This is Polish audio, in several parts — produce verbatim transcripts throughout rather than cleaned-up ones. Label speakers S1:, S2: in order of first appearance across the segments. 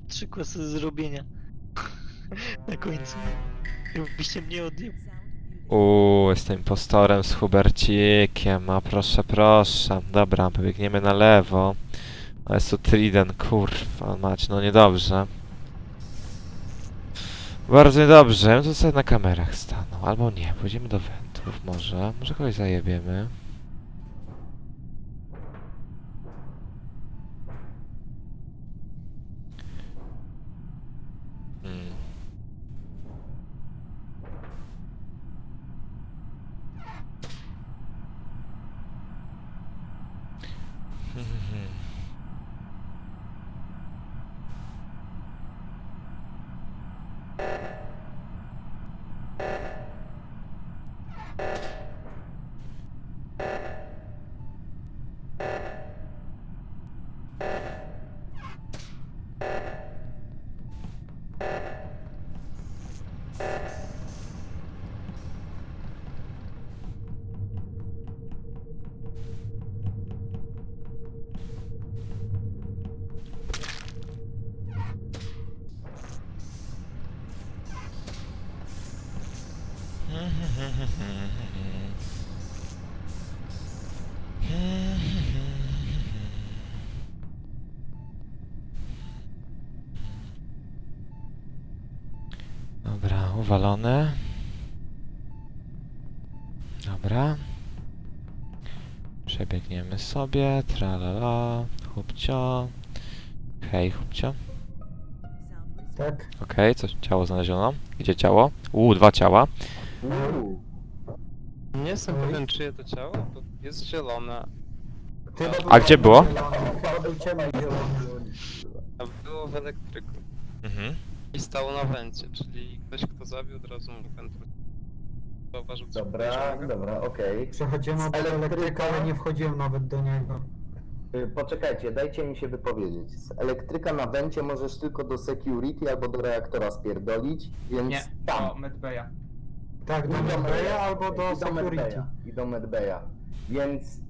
S1: trzy kłosy do zrobienia. Na końcu. Jakbyście mnie odjeb...
S2: Uuu, jestem impostorem z Hubercikiem, no proszę, proszę. Dobra, pobiegniemy na lewo. A jest tu Triden, kurwa mać, no niedobrze. Bardzo niedobrze, ja bym tu sobie na kamerach stanął, albo nie, pójdziemy do wentów może, może kogoś zajebiemy. Hmm. Dobra, uwalone. Dobra. Przebiegniemy sobie, tralala, chłopcio. Hej, chłopcio.
S3: Tak?
S2: Okej, coś, ciało znaleziono. Gdzie ciało? Uuu, dwa ciała.
S4: Uuu.
S5: Nie jestem
S3: Oj.
S5: pewien, czyje to ciało, bo jest zielone,
S3: Chyba był
S2: A gdzie było?
S3: zielony, Chyba był ciemny zielony.
S5: a było w elektryku.
S2: Mhm.
S5: I stało na wencie, czyli ktoś, kto zabił, od razu mógł wentru. Zauważył coś
S4: Dobra,
S5: podejrzanego?
S4: dobra, okej.
S3: Przechodziłem od
S4: Elektryka?
S3: elektryka, ale nie wchodziłem nawet do niego.
S4: Y, Poczekajcie, dajcie mi się wypowiedzieć. Z elektryka na wencie możesz tylko do security albo do reaktora spierdolić, więc
S6: Nie,
S4: tam.
S6: do Medbaya.
S3: Tak, do
S4: I do
S3: Medbaya albo
S4: okej,
S3: do
S4: i
S3: security.
S4: Medbaya, I do Medbaya. Więc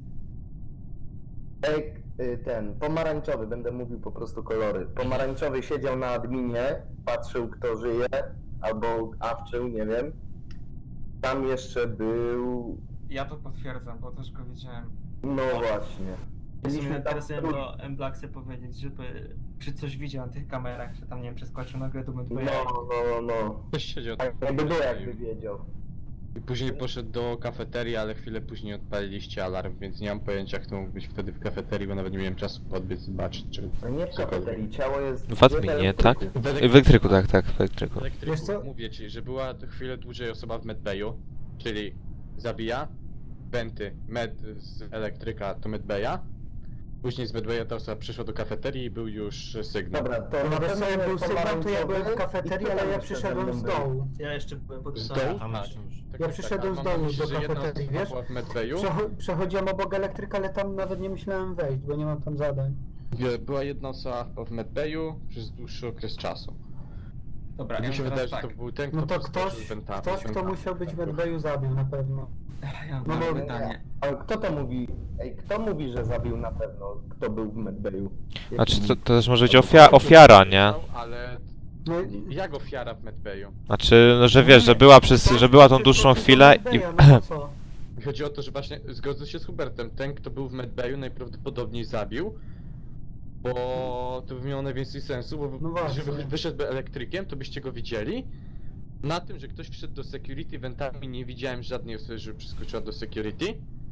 S4: ek, y, ten pomarańczowy, będę mówił po prostu kolory. Pomarańczowy siedział na adminie, patrzył kto żyje, albo awczył, nie wiem. Tam jeszcze był...
S6: Ja to potwierdzam, bo też go widziałem.
S4: No właśnie.
S6: W sumie
S4: Byliśmy tam
S6: teraz chciałem
S4: trój-
S6: do M-Blacksy powiedzieć, żeby czy coś widział na tych kamerach, że tam nie wiem, przeskoczył nagle do
S4: No,
S6: Medbaya.
S4: no, no.
S7: Ktoś siedział
S4: Tak jakby było, jakby wiedział.
S7: I później poszedł do kafeterii, ale chwilę później odpaliliście alarm, więc nie mam pojęcia, kto mógł być wtedy w kafeterii, bo nawet nie miałem czasu podbiec zobaczyć, czy...
S4: No nie w kafeterii, ciało jest...
S2: W adminie, tak?
S7: W
S2: W elektryku, tak, tak, w elektryku.
S7: W elektryku,
S3: Wiesz co?
S7: mówię ci, że była to chwilę dłużej osoba w medbayu, czyli zabija, wenty, med z elektryka do medbaya, później z medbaya ta osoba przyszła do kafeterii i był już sygnał.
S4: Dobra, to
S3: No
S4: na
S3: wiesz
S4: pewno
S3: co, jak był
S4: jest
S3: sygnał, to ja byłem w
S4: pomarańczowy
S3: kafeterii,
S4: i
S3: ale ja
S4: kto tam
S3: przyszedłem
S4: jeszcze
S3: z
S4: ze mną
S3: dołu.
S6: Ja jeszcze byłem pod
S7: Z
S6: stolem.
S7: dołu?
S6: tam
S7: Tak.
S6: jeszcze.
S7: Tak,
S3: Ja
S7: tak,
S3: przyszedłem
S7: tak,
S3: z
S7: a mam
S3: dołu
S7: myśli,
S3: do
S7: że jedna
S3: kafeterii,
S7: osoba
S3: wiesz?
S7: była w medbayu.
S3: Przecho przechodziłem obok elektryka, ale tam nawet nie myślałem wejść, bo nie mam tam zadań.
S7: Wie- Była jedna osoba chyba w medbayu przez dłuższy okres czasu.
S6: Dobra,
S7: I
S6: ja
S7: mi się
S6: mam
S7: wydaje,
S6: teraz
S7: że
S6: tak.
S7: to był ten, kto
S3: No to
S7: przeskoczył
S3: ktoś,
S7: wentami,
S3: ktoś kto
S7: wentami.
S3: musiał być w Medbayu zabił na pewno.
S6: Ja mam
S3: No
S6: teraz
S3: bo-
S6: pytanie.
S4: Ale kto to mówi? Ej, kto mówi, że zabił na pewno? Kto był w medbayu?
S2: Znaczy, to, to też może być ofia ofiara, nie?
S7: Ale
S3: No,
S7: jak ofiara w medbayu?
S2: Znaczy, no, że wiesz, że była przez, że była tą dłuższą chwilę i...
S3: Medbaya, no to co?
S7: Mi chodzi o to, że właśnie zgodzę się z Hubertem. Ten, kto był w medbayu, najprawdopodobniej zabił. Bo to by miało najwięcej sensu, bo
S3: No właśnie.
S7: żeby wyszedł elektrykiem, to byście go widzieli. Na tym, że ktoś wszedł do security wentami, nie widziałem żadnej osoby, żeby przeskoczyła do security.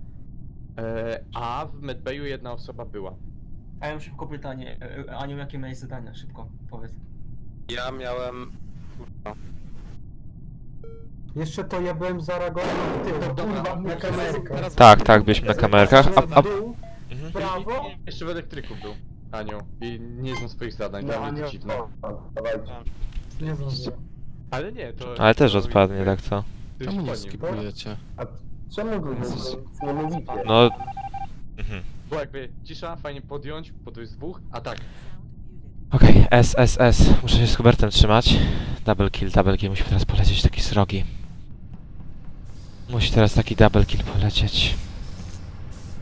S7: E, a w medbayu jedna osoba była.
S6: A ja mam szybko pytanie. E, Aniu, jakie miałeś zadania? Szybko, powiedz.
S5: Ja miałem... Kurwa.
S3: Jeszcze to ja byłem zareagowany w tył,
S7: Dobra,
S3: na kamerkę.
S7: teraz-
S2: Tak, tak, byliśmy na kamerkach, a...
S3: W
S2: a...
S3: dół,
S2: Mhm.
S3: w prawo.
S7: I, i jeszcze w elektryku był, Aniu. I nie znam swoich zadań,
S4: No,
S7: to
S4: a
S7: mnie
S4: nie
S7: to dziwne.
S4: dawajcie.
S3: Nie zdążyłem.
S7: Ale nie, to...
S2: Ale też
S7: to-
S2: odpadnie, tak co?
S7: to
S8: Czemu nie
S7: już po nim.
S8: skipujecie?
S4: A czemu wy nic nie mówicie?
S2: No... Mhm.
S7: Bo jakby cisza, fajnie podjąć, podjąć z dwóch, a tak.
S2: Okej, S, S, S. Muszę się z Hubertem trzymać. Double kill, double kill. Musi teraz polecieć taki srogi. Musi teraz taki double kill polecieć.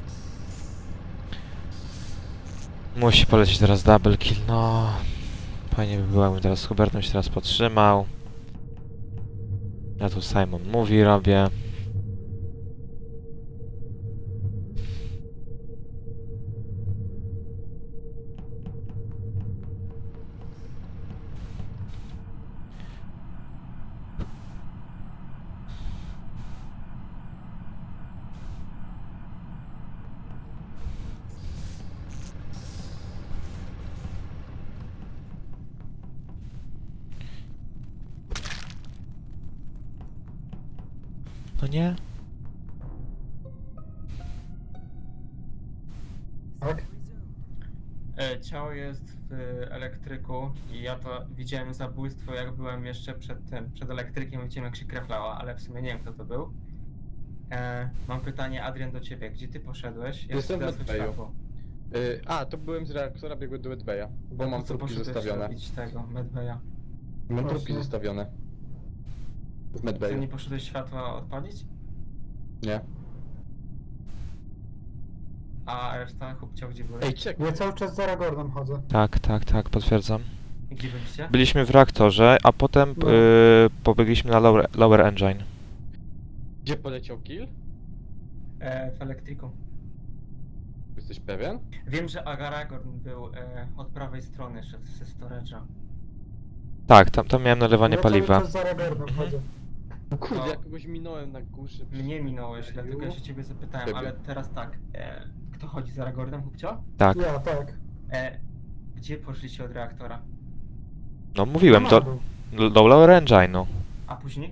S2: Musi polecieć teraz double kill, no. Fajnie by było, jakbym teraz z Hubertem się teraz potrzymał. Ja tu Simon mówi, robię. No nie?
S3: Tak?
S6: E, Ciało jest w elektryku i ja to widziałem zabójstwo, jak byłem jeszcze przed tym, przed elektrykiem, widziałem jak się kraflała, ale w sumie nie wiem kto to był. E, mam pytanie, Adrian, do ciebie. Gdzie ty poszedłeś? Jak
S7: Jestem w
S6: zgasło
S7: Medbayu.
S6: światło?
S7: Y, a, to byłem z reaktora, biegłem do Medbaya, bo
S6: Po
S7: mam
S6: co
S7: trupki
S6: poszedłeś
S7: zostawione.
S6: robić tego, Medbaya?
S7: Mam trupki
S3: Właśnie.
S7: zostawione. W
S6: Ty
S7: Medbayu.
S6: nie poszedłeś światła odpalić?
S7: Nie.
S6: A reszta chłopcia gdzie byłeś?
S7: Ej, czekaj.
S3: Ja cały czas za Ragornem chodzę.
S2: Tak, tak, tak, potwierdzam.
S6: Gdzie byliście?
S2: Byliśmy w reaktorze, a potem
S3: No.
S2: yy, pobiegliśmy na lower, lower engine.
S7: Gdzie poleciał kill?
S6: E, w elektryku.
S7: Jesteś pewien?
S6: Wiem, że Aragorn był e, od prawej strony, szedł ze storage'a.
S2: Tak, tam, tam miałem nalewanie
S3: ja
S2: paliwa.
S3: cały czas za Ragornem chodzę.
S7: Kurde,
S6: No.
S7: ja kogoś minąłem na górze.
S6: Mnie minąłeś, dlatego ja się ciebie zapytałem,
S7: Ciebie.
S6: ale teraz tak. E, kto chodzi za Aragornem, chłopcio?
S2: Tak.
S3: Ja, tak.
S6: E, gdzie poszliście od reaktora?
S2: No mówiłem,
S3: Na
S2: do,
S3: dół.
S2: do lower engine, no.
S6: A później?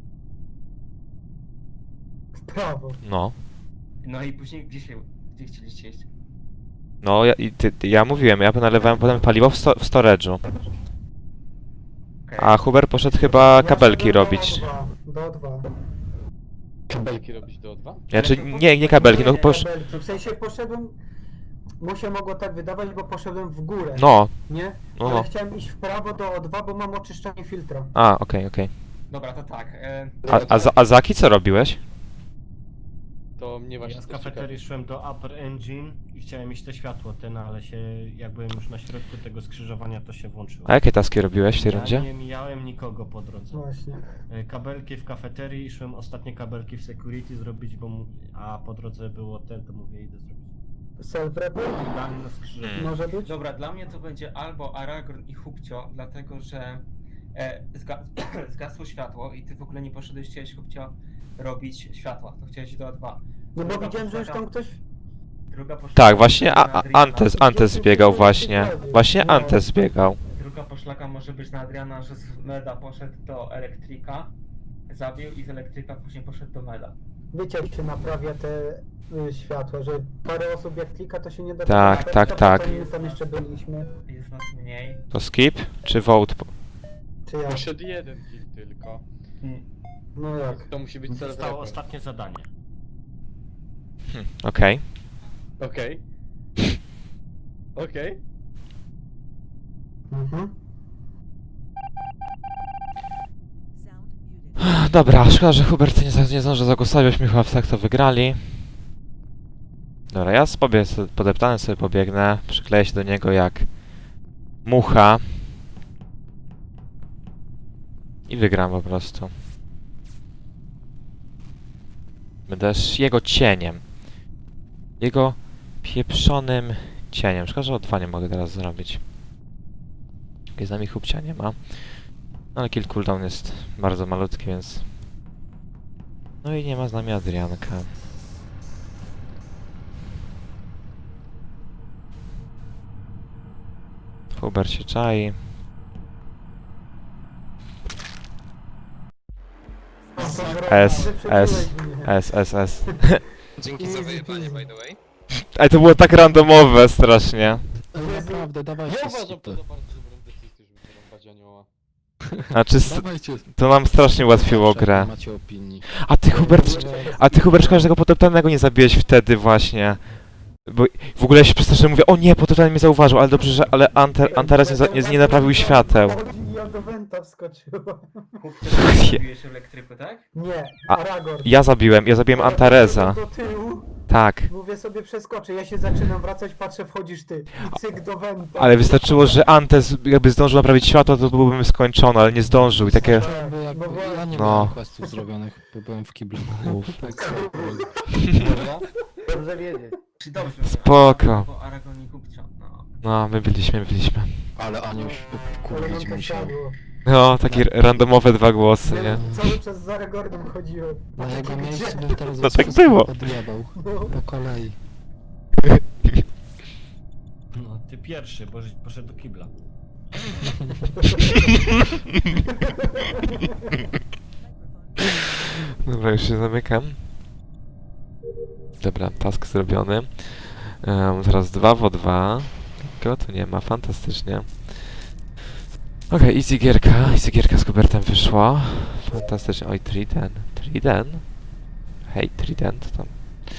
S3: W prawo.
S2: No.
S6: No i później gdzie się, gdzie chcieliście iść?
S2: No, ja, i ty, ty, ja mówiłem, ja nalewałem potem paliwo w, sto, w storage'u.
S6: Okay.
S2: A Hubert poszedł chyba
S3: Ja
S2: kabelki
S3: szedłem
S2: robić.
S3: Do O dwa.
S7: Kabelki robić do O dwa?
S2: Znaczy, nie, nie kabelki, no
S3: Nie,
S2: posz...
S3: kabelki. W sensie poszedłem... Mu się mogło tak wydawać, bo poszedłem w górę.
S2: No,
S3: Nie?
S2: no,
S3: Ale
S2: no.
S3: chciałem iść w prawo do O dwa, bo mam oczyszczanie filtra.
S2: A, okej, okej.
S6: Dobra, to tak. E,
S2: A, a, za- a Zaki co robiłeś?
S7: To mnie właśnie
S8: Ja z
S7: też
S8: kafeterii szłem do Upper Engine i chciałem iść to światło ten, ale się, jak byłem już na środku tego skrzyżowania, to się włączyło.
S2: A jakie taski robiłeś w tej
S8: Ja
S2: rundzie?
S8: nie mijałem nikogo po drodze.
S3: Właśnie.
S8: E, Kabelki w kafeterii i szłem ostatnie kabelki w security zrobić, bo mu, a po drodze było ten, to mówię idę zrobić.
S3: Self-report?
S8: Dan na skrzyżowaniu.
S2: Hmm.
S3: Może być?
S6: dobra, dla mnie to będzie albo Aragorn i Hubcio, dlatego że e, zga zgasło światło i ty w ogóle nie poszedłeś, chciałeś Hubcio robić światła, to chciałeś do O dwa.
S3: No bo
S6: Druga
S3: widziałem, że już
S6: poszlaka-
S3: tam ktoś...
S6: Druga poszlaka
S2: Tak, właśnie a,
S6: na
S2: a,
S6: Adriana.
S2: Antes, Antes zbiegał właśnie. Właśnie Antes zbiegał.
S6: Druga poszlaka może być na Adriana, że z Meda poszedł do elektryka, zabił i z elektryka później poszedł do Meda.
S3: Wiecie, jak się naprawia te y, światła, że parę osób jak klika, to się nie da...
S2: Tak,
S3: naprawiać,
S2: tak,
S3: a
S2: tak.
S3: potem my tam jeszcze byliśmy.
S6: Jest nas mniej.
S2: To skip czy vote?
S3: Czy ja?
S7: Poszedł jeden kill tylko.
S6: Mm.
S3: No jak?
S7: To musi być
S8: Zostało
S7: self-report.
S8: ostatnie zadanie.
S2: Hm, okej.
S7: Okej. Okej.
S3: Mhm.
S2: Dobra, szkoda, że Hubert nie, za- nie zdążył zagłosować, byśmy chyba w tak to wygrali. Dobra, ja sobie podeptany sobie pobiegnę, przykleję się do niego jak mucha. I wygram po prostu. Będę sz- jego cieniem. Jego pieprzonym cieniem. Szkoda, że o dwa nie mogę teraz zrobić. Jak z nami Hubcia nie ma. Ale kill cooldown jest bardzo malutki, więc... No i nie ma z nami Adrianka. Hubert się czai. S, S, S, S, S.
S5: Dzięki za wyjebanie, by the way.
S2: Ej, to było tak randomowe strasznie.
S9: Naprawdę, dawajcie
S7: Ja uważam
S9: skipy.
S7: to za bardzo dobrą decyzję, żeby wyrąbać anioła.
S2: Znaczy, s-
S9: Dawajcie.
S2: to nam strasznie ułatwiło grę.
S9: Macie opinii.
S2: A ty Hubert, a ty Hubert, szkoda, że tego potoptanego nie zabiłeś wtedy właśnie. Bo w ogóle ja się przestraszyłem, mówię, o nie, potoptany mnie zauważył, ale dobrze, że, ale Anter, Antares nie, za- nie, nie naprawił świateł.
S3: I on do Wenta wskoczyła.
S6: Zabiłeś w elektryku, tak?
S3: Nie,
S2: A,
S3: Aragorn.
S2: Ja zabiłem, ja zabiłem
S3: Ja
S2: Antareza.
S3: Do tyłu,
S2: Tak.
S3: mówię sobie przeskoczę, ja się zaczynam wracać, patrzę, wchodzisz ty. I cyk do Wenta.
S2: Ale wystarczyło, że Antes jakby zdążył naprawić światło, to byłbym skończony, ale nie zdążył i takie...
S3: Tak,
S9: Bo jak,
S3: no bo-
S9: ja nie
S2: No.
S9: miałem questów zrobionych, bo byłem w kiblu. Tak,
S4: Dobrze wiedzieć.
S6: Czy dobrze?
S2: Spoko.
S6: Bo Aragon i Kupcio, no.
S2: No, my byliśmy, my byliśmy.
S9: ale Aniu się
S3: Ale mam
S9: kurwić
S3: to
S9: musiał.
S3: siadło.
S2: No, takie randomowe dwa głosy, nie?
S3: Ja cały czas za Aragornem chodziłem.
S9: Na
S3: A
S9: jego
S3: taki
S9: miejscu
S3: gdzie?
S9: bym teraz
S2: No
S9: was
S2: tak
S9: wszystkich
S2: było.
S9: odjebał.
S3: No.
S9: Po kolei.
S8: No, ty pierwszy, bo żeś poszedł do kibla.
S2: Dobra, już się zamykam. Dobra, task zrobiony. Um, teraz dwa w dwa. Go tu nie ma, fantastycznie. Okej, easy gierka, easy gierka z Kubertem wyszło. Fantastycznie. Oj, Triden. Triden? Hej, Trident tam.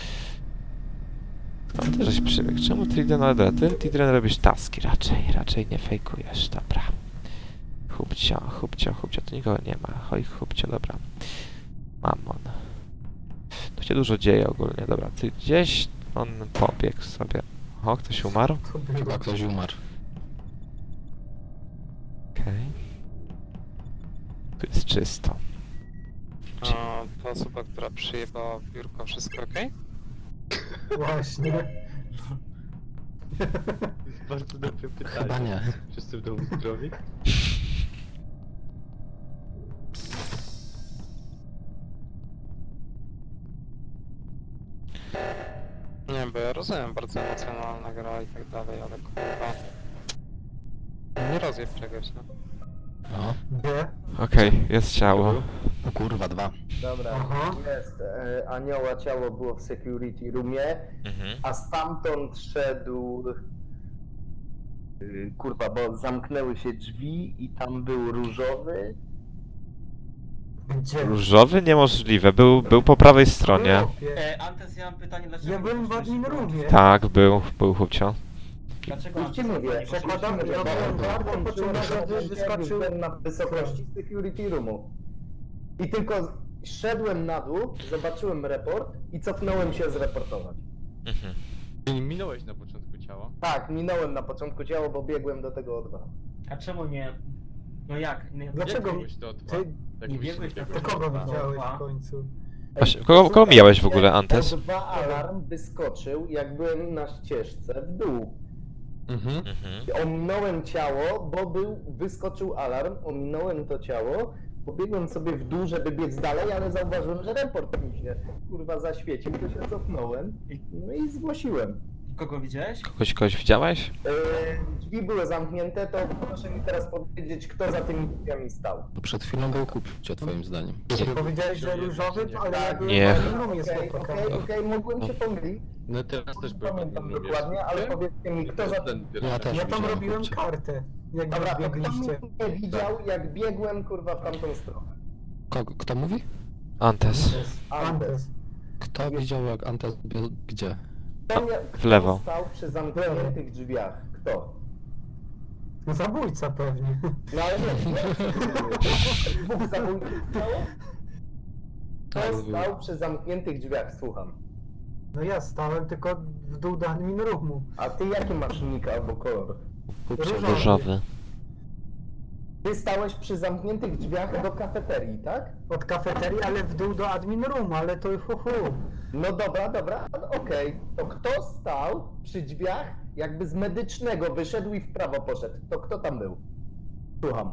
S2: Skąd ty żeś przybiegł? Czemu Triden? Ale dobra, ty, Triden, robisz taski raczej, raczej nie fejkujesz, dobra. Chubcio, chubcio, chubcio, tu nikogo nie ma. Oj, chubcio, dobra. Mamon. Tu się dużo dzieje ogólnie, dobra. Ty gdzieś on pobiegł sobie. O, ktoś umarł?
S3: To było.
S9: Chyba ktoś umarł.
S2: Okej. Tu jest czysto.
S5: A ta osoba, która przyjebała w biurko, wszystko okej?
S3: Właśnie.
S7: Bardzo dobre pytanie.
S9: Chyba nie.
S7: Wszyscy w domu zdrowi?
S5: Nie, bo ja rozumiem, bardzo emocjonalna gra i tak dalej, ale kurwa... Nie rozjeb czegoś, no.
S9: No.
S3: Gdzie?
S2: Okej, jest ciało.
S9: O kurwa, dwa.
S4: Dobra,
S3: Aha.
S4: jest. E, anioła ciało było w security roomie,
S2: Mhm.
S4: a stamtąd szedł... y, Kurwa, bo zamknęły się drzwi i tam był różowy.
S3: Gdzie?
S2: Różowy? Niemożliwe. Był, był po prawej stronie.
S3: Chłopie.
S6: E, Antes, ja mam pytanie, dlaczego...
S3: Ja byłem w admin roomie.
S2: Tak, był, był chłopcio.
S6: Dlaczego
S4: Już ci
S6: Antes
S4: mówię,
S6: nie
S3: Przekładam,
S6: poszedł?
S3: ja byłem bardzo poczułem, że wy- wyskoczył.
S4: Byłem na wysokości security roomu. I tylko szedłem na dół, zobaczyłem report i cofnąłem się zreportować.
S2: Mhm.
S7: Czyli minąłeś na początku ciała?
S4: Tak, minąłem na początku ciało, bo biegłem do tego O dwa.
S6: A czemu nie... No jak? Nie,
S3: Dlaczego?
S6: nie-
S7: Biegłeś do dwa.
S3: Ty,
S7: Jak
S6: nie
S7: byś
S6: biegłeś na
S7: biegł
S3: to kogo
S6: Dwa.
S3: widziałeś
S6: Dwa.
S3: w końcu?
S2: Właśnie, kogo- kogo mijałeś w ogóle, Antes?
S4: O dwa alarm wyskoczył, jak byłem na ścieżce w dół.
S7: Mhm.
S2: Mhm.
S4: Ominąłem ciało, bo był, wyskoczył alarm, ominąłem to ciało, pobiegłem sobie w dół, żeby biec dalej, ale zauważyłem, że report mi się kurwa zaświecił, to się cofnąłem, no i zgłosiłem.
S6: Kogo widziałeś?
S2: Kogoś, kogoś widziałeś?
S4: Yy, drzwi były zamknięte, to proszę mi teraz powiedzieć, kto za tymi drzwiami stał.
S9: To przed chwilą był kupcio, twoim zdaniem.
S3: Powiedziałeś, że różowy, ale ja byłem
S2: Nie.
S3: w admin roomie
S4: Okej,
S3: spokojnie.
S4: okej, okej, mogłem się pomylić,
S7: No teraz też
S4: nie
S7: byłem na
S4: pamiętam
S7: tym roomie.
S4: dokładnie, ale powiedzcie mi, kto za tym...
S9: Ja też
S3: Ja tam
S9: widziałem
S3: robiłem
S9: kupcia.
S3: kartę, jak
S4: Dobra, to kto
S3: biegliście.
S4: mnie widział, jak biegłem kurwa w tamtą stronę?
S9: Kogo, kto mówi?
S2: Antes.
S3: Antes.
S9: Kto widział jak Antes biegł gdzie?
S4: Kto mnie-
S2: w lewo.
S4: Kto stał przy zamkniętych drzwiach? Kto?
S3: Zabójca pewnie.
S4: No ale nie, nie. Dwóch zabójców stało?
S9: Tak,
S4: Kto
S9: był.
S4: stał przy zamkniętych drzwiach? Słucham.
S3: No ja stałem tylko w dół do admin roomu.
S4: A ty jaki masz nick albo kolor?
S9: Kupcio.
S3: Różowy.
S2: Różowy.
S4: Ty stałeś przy zamkniętych drzwiach do kafeterii, tak?
S3: Od kafeterii, ale w dół do admin roomu, ale to hu hu.
S4: No dobra, dobra, okej. To kto stał przy drzwiach, jakby z medycznego wyszedł i w prawo poszedł? To kto tam był? Słucham.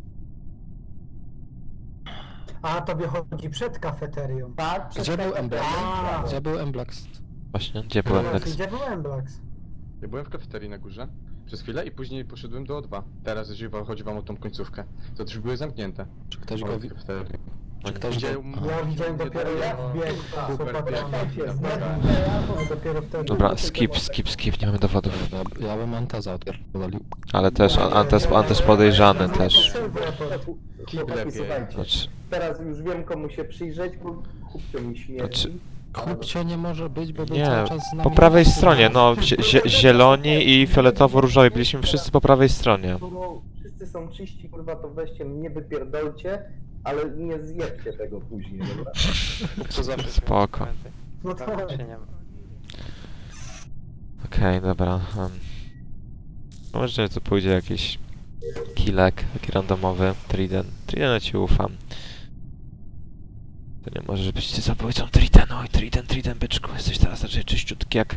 S3: A tobie chodzi przed kafeterią.
S4: Tak, przed
S9: Gdzie był
S4: kafeterią
S9: Emblax?
S4: w prawo.
S9: Gdzie był Emblax?
S2: Właśnie, gdzie byłem
S3: No,
S2: Lex?
S3: gdzie był Emblax?
S7: Ja byłem w kafeterii na górze przez chwilę i później poszedłem do O dwa. Teraz jeśli chodzi wam o tą końcówkę, to drzwi były zamknięte.
S9: Czy ktoś
S7: O,
S9: go
S7: w
S9: wi...
S7: kafeterii.
S9: Czy ktoś go...
S7: Widział-
S9: Aha.
S3: Ja widziałem
S7: Nie
S3: dopiero
S7: dało-
S3: jak wbiegł
S4: A,
S3: z
S7: super,
S3: opatrzonym.
S4: Czekajcie, z
S7: Dobra.
S4: medycznego
S3: No dopiero wtedy.
S2: Dobra, skip, skip, skip, nie mamy dowodów.
S9: Ja, ja bym Anteza odpierdolił.
S2: Ale też, An- Antes, Antes podejrzany
S3: No,
S2: też.
S4: Chłopaki,
S7: lepiej.
S4: słuchajcie,
S2: Znaczy,
S4: teraz już wiem komu się przyjrzeć, bo chłopcio mi śmierdzi.
S2: Znaczy-
S9: Kupcio nie może być, bo był
S2: nie,
S9: cały czas z nami.
S2: po prawej stronie, no, zie- zie- zieloni i fioletowo-różowi, byliśmy wszyscy po prawej stronie.
S4: Skoro wszyscy wszyscy są czyści, kurwa, to weźcie mnie wypierdolcie, ale nie zjebcie tego później, dobra?
S5: To zawsze
S2: Spoko.
S3: No
S5: Tak,
S3: tak.
S5: się nie ma.
S2: Okej, dobra. Um. Może tu pójdzie jakiś killek, taki randomowy. Triden. Tridena ci ufam. To nie możesz być zabójcą Triden. Oj, Triden, Triden, byczku. Jesteś teraz raczej czyściutki jak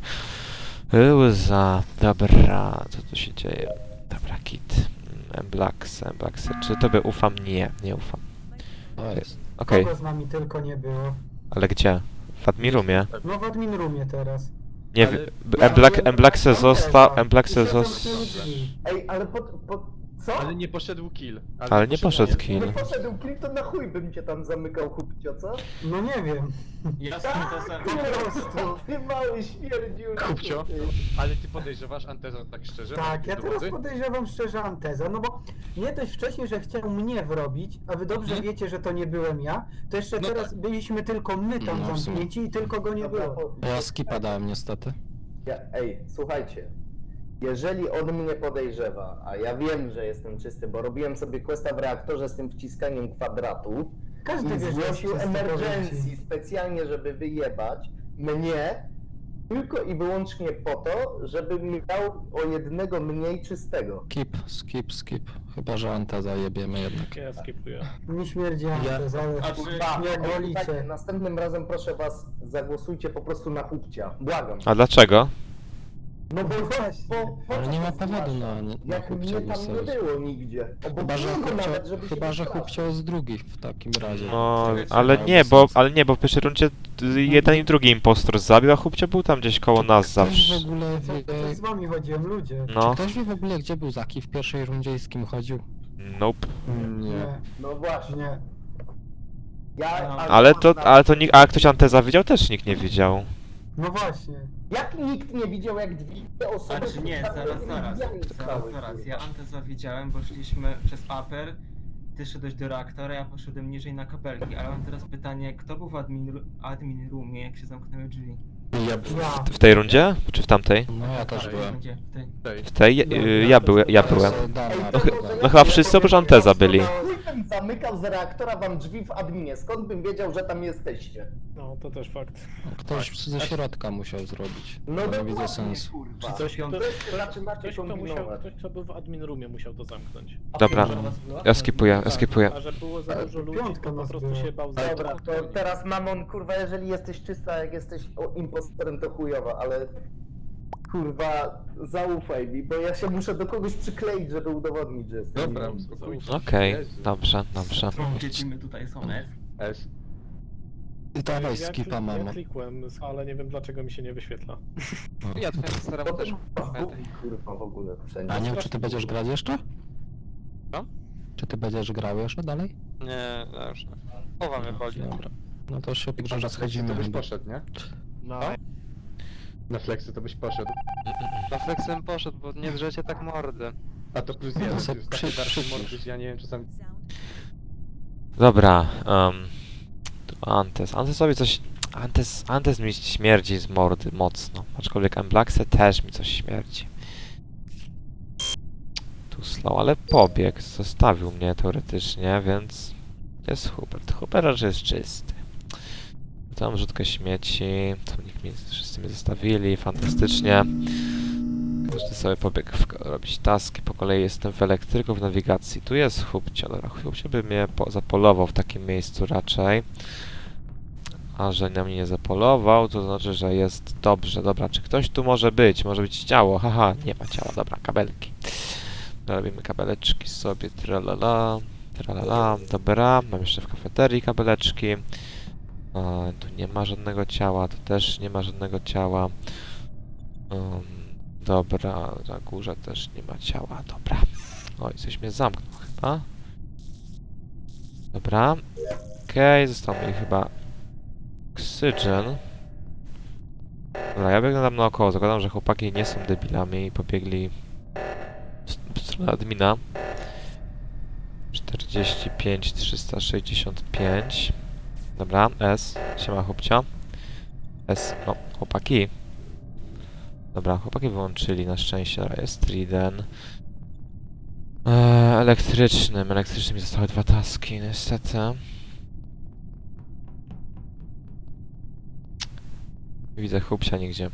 S2: łza. Dobra, co tu się dzieje? Dobra, kit. Emblax, Emblax. Czy tobie ufam? Nie, nie ufam.
S9: To jest.
S2: Okej,
S3: Kogo z nami tylko nie było.
S2: ale gdzie? W admirumie?
S3: No w admin roomie teraz.
S2: Nie
S7: Ale-
S2: wiem. Emblax, Emblaxe został, Emblaxe
S3: I się
S2: został.
S3: zamknęły drzwi.
S4: Ej, ale po, po co?
S7: Ale nie poszedł kill.
S2: Ale nie poszedł
S7: kill.
S2: kill.
S4: Nie poszedł klip, to na chuj bym cię tam zamykał, chłopcio, co?
S3: No nie wiem.
S6: Ja z tym to sam...
S4: Po prostu, ty mały śmierdził.
S7: Kupcio. Ale ty podejrzewasz Anteza tak szczerze?
S3: Tak,
S7: Masz
S3: ja teraz
S7: dowody?
S3: podejrzewam szczerze Anteza, no bo nie dość wcześniej, że chciał mnie wrobić, a wy dobrze
S7: Mhm.
S3: wiecie, że to nie byłem ja, to jeszcze
S7: No
S3: teraz byliśmy tylko my tam
S9: No, w sumie.
S3: zamknięci i tylko go nie
S4: Dobra,
S3: było.
S4: po-
S9: Ja skipa dałem niestety.
S4: Ja, ej, słuchajcie. Jeżeli on mnie podejrzewa, a ja wiem, że jestem czysty, bo robiłem sobie questa w reaktorze z tym wciskaniem kwadratów
S3: Każdy
S4: i
S3: wie, że jest
S4: zgłosił
S3: czysty,
S4: emergencji
S3: powiem ci.
S4: specjalnie, żeby wyjebać mnie, tylko i wyłącznie po to, żebym miał o jednego mniej czystego.
S9: Skip, skip, skip. Chyba, że Anteza jebiemy jednak.
S8: Ja skipuję.
S3: Nie śmierdzi Antez, ale
S6: A czy-
S4: Kurwa,
S3: jak
S4: ej,
S3: wolicie.
S4: słuchajcie, następnym razem proszę was, zagłosujcie po prostu na chłopcia. Błagam.
S2: A dlaczego?
S4: No bo, bo, bo, bo
S9: Ale
S4: co
S9: nie ma
S4: to
S9: powodu
S4: znaczy?
S9: na, na
S4: Jak
S9: chłopcia
S4: mnie tam nie
S9: głosować.
S4: było nigdzie. Obok
S9: Chyba, że
S4: niego
S9: chłopcio,
S4: nawet, żeby się
S9: chyba, że
S4: wystraszył.
S9: chłopcio jest drugi w takim razie.
S2: No,
S6: Czekajcie,
S2: ale
S9: miałby
S2: nie, bo,
S9: sens.
S2: ale nie, bo w pierwszej rundzie y, jeden i drugi impostor zabił, a chłopcia był tam gdzieś koło nas
S9: Ktoś
S2: zawsze.
S9: w ogóle
S3: Co,
S9: wie,
S3: co z wami chodziłem, ludzie?
S2: No,
S9: Ktoś wie w ogóle, gdzie był Zaki w pierwszej rundzie i z kim chodził?
S2: nope.
S3: Nie,
S4: No właśnie.
S3: nie.
S4: Ja,
S6: No.
S2: Ale to, ale to nikt, a ktoś Anteza widział? Też nikt nie widział.
S3: No właśnie.
S4: Jak nikt nie widział, jak dwie osoby...
S6: Znaczy nie, zaraz, zaraz, zaraz, zaraz. Ja Anteza widziałem, bo szliśmy przez upper, ty szedłeś do reaktora, ja poszedłem niżej na kabelki, ale mam teraz pytanie, kto był w admin, ru- admin roomie, jak się zamknęły drzwi?
S3: Ja.
S2: W tej rundzie? Czy w tamtej?
S9: No ja też
S6: Tak,
S9: byłem.
S6: gdzie? W tej.
S7: Tej.
S2: W tej? Y, ja, byłem, ja byłem.
S9: To Dana,
S2: No chy-
S9: chyba.
S2: no chyba wszyscy oprócz Anteza byli.
S4: Chuj bym zamykał z reaktora wam drzwi w adminie, skąd bym wiedział, że tam jesteście?
S8: No, to też fakt.
S9: Ktoś ze środka musiał zrobić.
S4: No
S9: No nie
S4: dokładnie,
S9: widzę sensu.
S4: kurwa.
S8: Coś,
S4: To jest zaczynacie
S8: Ktoś, kto musiał,
S4: kombinować.
S8: ktoś, kto był w admin roomie, musiał to zamknąć.
S2: Dobra, ja skipuję, ja skipuję.
S8: A że było za dużo ludzi,
S3: Piątka
S8: to po
S3: nas
S8: prostu
S3: była.
S8: się bał
S4: Dobra,
S8: za
S4: to teraz Mamon, kurwa, jeżeli jesteś czysta, jak jesteś o, impostorem, to chujowa, ale kurwa, zaufaj mi, bo ja się muszę do kogoś przykleić, żeby udowodnić, że jestem.
S7: Dobra,
S4: innym.
S7: spokojnie.
S2: Okej,
S7: Jezu.
S2: dobrze, dobrze.
S6: Siedzimy tutaj, są F.
S7: S.
S9: Ty dawaj
S8: ja,
S9: skipa,
S8: ja
S9: mamo.
S8: klikłem, ale nie wiem dlaczego mi się nie wyświetla.
S5: Ja twoim staremu
S4: Potem
S5: też
S4: gubi, kurwa, w ogóle wszędzie.
S9: A nie wiem, czy ty będziesz grać jeszcze?
S5: Co?
S9: Czy ty będziesz grał jeszcze dalej?
S5: Nie, ja już nie. Połowa mnie boli.
S9: Dobra. No to się pisze, że
S7: To
S9: schodzimy
S7: byś
S9: chyba.
S7: poszedł, nie?
S8: No,
S7: Na flexy to byś poszedł.
S5: Na flexem poszedł, bo nie drzecie tak mordy.
S7: A to plus
S9: No
S7: jeden,
S9: se
S7: to jest
S9: przy-
S7: taki darszy
S9: przycisz.
S7: mordyz, ja nie wiem czasami...
S2: Dobra, um, tu Antes. Antes sobie coś... Antes, Antes mi śmierdzi z mordy mocno. Aczkolwiek Emblaxe też mi coś śmierdzi. Tu slow, ale pobiegł. Zostawił mnie teoretycznie, więc... Jest Hubert. Hubert raczej jest czysty. Tam rzutkę śmieci. Tu nikt mi, wszyscy mnie zostawili. Fantastycznie. Każdy sobie pobiegł w, robić taski. Po kolei jestem w elektryku, w nawigacji. Tu jest Hubcia. Dobra, Hubcia by mnie po, zapolował w takim miejscu raczej. A że na mnie nie zapolował, to znaczy, że jest dobrze. Dobra, czy ktoś tu może być? Może być ciało. Haha, nie ma ciała. Dobra, kabelki. Robimy kabeleczki sobie. Tralala. Tralala. Dobra, mam jeszcze w kafeterii kabeleczki. A, tu nie ma żadnego ciała. Tu też nie ma żadnego ciała. Um, dobra, na górze też nie ma ciała. Dobra. Oj, coś mnie zamknął chyba. Dobra. Okej, okay, został mi chyba Oxygen. Dobra, ja biegnę tam naokoło. Zakładam, że chłopaki nie są debilami i pobiegli w stronę admina. czterdzieści pięć trzysta sześćdziesiąt pięć. Dobra, S. Siema chłopcia. S. No, chłopaki. Dobra, chłopaki wyłączyli na szczęście. Dobra, jest Triden. Eee, elektrycznym. Elektrycznym mi zostały dwa taski, niestety. Nie widzę chłopcia nigdzie.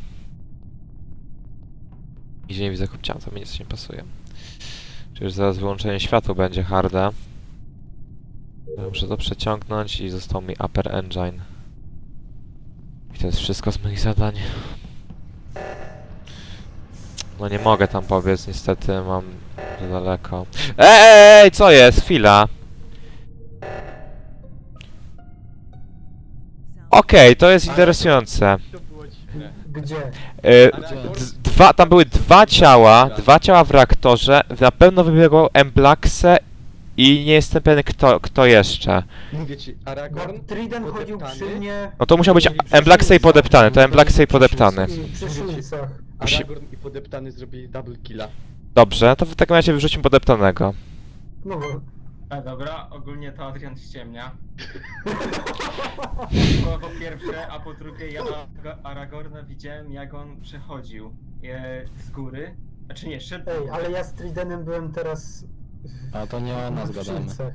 S2: Nigdzie nie widzę chłopcia, to mi nic nie pasuje. Przecież zaraz wyłączenie światła będzie harde. Muszę to przeciągnąć i został mi Upper Engine. I to jest wszystko z moich zadań. No nie mogę tam pobiec, niestety mam za daleko. Ej, ej, co jest? Chwila. Okej, to jest interesujące.
S7: To było dziwne.
S3: Gdzie?
S2: E,
S7: Aragorn-
S2: d- dwa, tam były dwa ciała, dwa ciała w reaktorze. Na pewno wybiegło Emblaxe i nie jestem pewien kto, kto jeszcze.
S7: Mówię ci,
S3: Bo
S7: Aragorn,
S3: Triden chodził
S7: podeptany.
S3: przy mnie
S2: No to musiał być Emblaxe i podeptany, to Emblaxe i podeptany.
S3: i przy szulcach.
S2: Musi-
S7: Aragorn i podeptany zrobili double killa.
S2: Dobrze, to w takim razie wyrzućmy podeptanego.
S3: No bo...
S6: A dobra, ogólnie to Adrian ściemnia. Bo po pierwsze, a po drugie ja Aga- Aragorna widziałem jak on przechodził e, z góry. Znaczy nie, szedł.
S3: Ej, ale ja z Tridenem byłem teraz... w-
S9: A to nie o nas
S3: w
S9: gadamy.
S3: szulcach.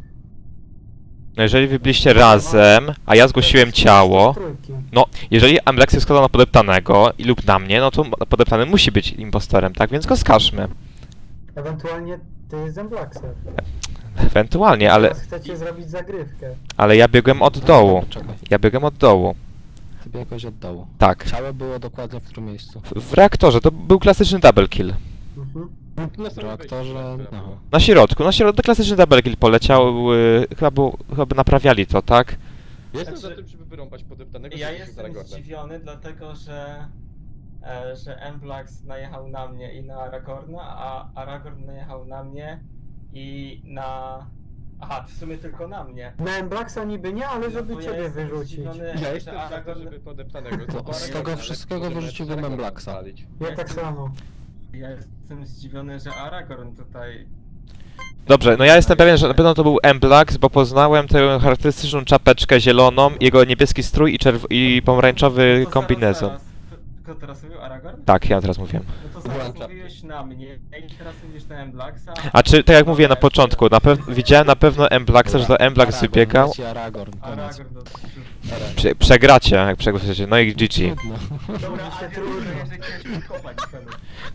S2: No jeżeli wy byliście razem, a ja zgłosiłem ciało,
S3: Trójki.
S2: no jeżeli Emblaxe składał na podeptanego i lub na mnie, no to podeptany musi być impostorem, tak? Więc go skażmy.
S3: Ewentualnie ty z Emblaxer.
S2: Ewentualnie, ale,
S3: Teraz chcecie zrobić zagrywkę.
S2: ale ja biegłem od dołu.
S9: Czekaj,
S2: Ja biegłem od dołu.
S9: ty biegłeś od dołu.
S2: Tak.
S9: Ciało było dokładnie w którym miejscu?
S2: W, w reaktorze to był klasyczny double kill.
S3: Mhm.
S7: Na
S9: W
S7: samym
S9: reaktorze,
S7: wejściu,
S9: no.
S7: było.
S2: Na środku, na środku klasyczny double kill poleciał, yy, chyba, był, chyba by naprawiali to, tak?
S7: Jestem
S6: Znaczy-
S7: za tym, żeby wyrąbać podeptanego.
S6: Ja
S7: żeby się
S6: jestem
S7: Aragornem.
S6: zdziwiony, dlatego że, e, że Emblax najechał na mnie i na Aragorna, a Aragorn najechał na mnie i na... Aha, w sumie tylko na mnie.
S3: Na Emblaxa niby nie, ale żeby
S6: No to ja
S3: ciebie
S6: jestem
S3: wyrzucić.
S6: zdziwiony,
S7: Ja
S6: że
S7: jestem za to,
S6: Aragorn...
S7: żeby podeptanego.
S9: To
S7: bo
S9: z
S7: Aragorn,
S9: tego
S7: ale
S9: wszystkiego
S7: możemy
S9: wyrzuciłbym
S7: Aragorna
S9: Emblaxa.
S7: spalić.
S3: Ja tak samo.
S6: Ja jestem zdziwiony, że Aragorn tutaj...
S2: Dobrze, no ja jestem pewien, że na pewno to był Emblax, bo poznałem tę charakterystyczną czapeczkę zieloną, jego niebieski strój i, czerw- i pomarańczowy
S6: No to
S2: kombinezon.
S6: Zaraz, zaraz. Kto teraz mówił? Aragorn?
S2: Tak, ja teraz mówiłem.
S6: No to
S7: Byłem
S6: zaraz
S7: czapki.
S6: mówiłeś na mnie i teraz mówisz na Emblaxa.
S2: A czy, tak jak mówiłem na początku, na pew- widziałem na pewno Emblaxa, że to Emblax
S9: Aragorn,
S2: wybiegał.
S9: leci Aragorn, koniec.
S6: Aragorn do...
S2: Prze- przegracie, jak przegłosujecie, no i G G.
S9: Trudno.
S6: Dobra,
S3: się
S6: a ty
S3: trudno.
S6: że chciałeś kopać celu.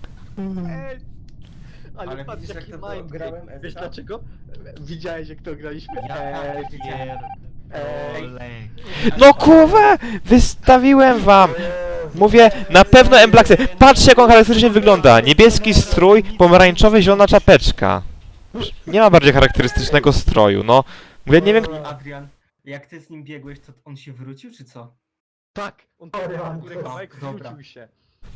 S7: Ej, Ale,
S6: Ale
S7: patrz
S6: widzisz, jak
S7: jaki
S6: to
S7: mają
S6: grałem,
S7: Wiesz
S6: Eska?
S7: dlaczego? Widziałeś jak to graliśmy?
S8: Ja
S7: Eee,
S8: pierdolę.
S2: No kurwa! Wystawiłem wam!
S3: Jezu.
S2: Mówię, na pewno Emblaxy. Patrzcie jak on charakterystycznie wygląda. Niebieski strój, pomarańczowy, zielona czapeczka. Nie ma bardziej charakterystycznego stroju, no. Mówię, nie wiem...
S6: Adrian, jak ty z nim biegłeś, to on się wrócił, czy co?
S7: Tak, on
S3: Sorry,
S7: tam
S3: mam
S7: górę
S3: to.
S7: kawałek
S6: Dobra.
S7: wrócił się.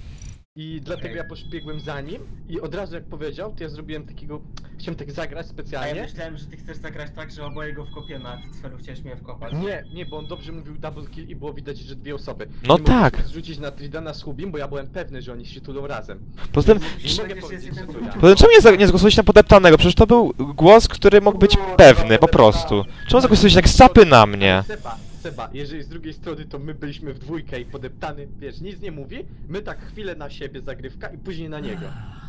S7: I dlatego
S6: Okej.
S7: ja poszbiegłem za nim i od razu jak powiedział, to ja zrobiłem takiego... Chciałem tak zagrać
S6: A ja
S7: specjalnie.
S6: myślałem, że ty chcesz zagrać tak, że oboje go wkopiemy, a ty celu chciałeś mnie wkopać.
S7: Nie, nie, bo on dobrze mówił double kill i było widać, że dwie osoby.
S2: No
S7: Nie
S2: tak.
S7: mogliśmy zrzucić na Tridana z Hubim, bo ja byłem pewny, że oni się tulą razem.
S2: Poza tym,
S6: Musisz
S7: Nie mogę
S6: powiedzieć,
S7: powiedzieć,
S6: że
S7: że to
S6: jestem
S7: ja.
S2: poza tym czemu nie, za- nie zagłosujecie na podeptanego? Przecież to był głos, który mógł być pewny, po prostu. Czemu zagłosujecie tak z czapy na mnie?
S7: Seba, Seba, jeżeli z drugiej strony to my byliśmy w dwójkę i podeptany, wiesz, nic nie mówi, my tak chwilę na siebie zagrywka i później na niego.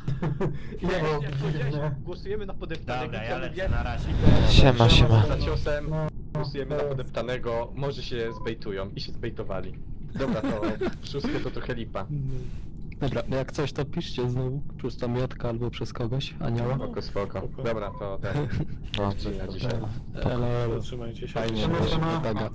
S7: I
S3: Nie
S7: jak,
S3: było
S7: jak powiedziałeś,
S3: dziwne.
S7: głosujemy na podeptanego,
S8: Dobra,
S7: to
S8: ja
S7: mówię,
S8: lecę na razie.
S2: Siema, siema.
S7: za ciosem,
S3: No,
S7: głosujemy na podeptanego, może się zbejtują i się zbejtowali. Dobra, to szóstkę to trochę lipa.
S9: Dobra, jak coś to piszcie znowu, przez tą Jotka albo przez kogoś, anioła.
S7: Spoko, spoko. Dobra, to ten.
S2: No,
S7: Na dzisiaj.
S9: Elo, elo.
S10: Trzymajcie się.
S9: Fajnie,
S3: Siema,
S9: że się
S3: siema.
S9: pomaga.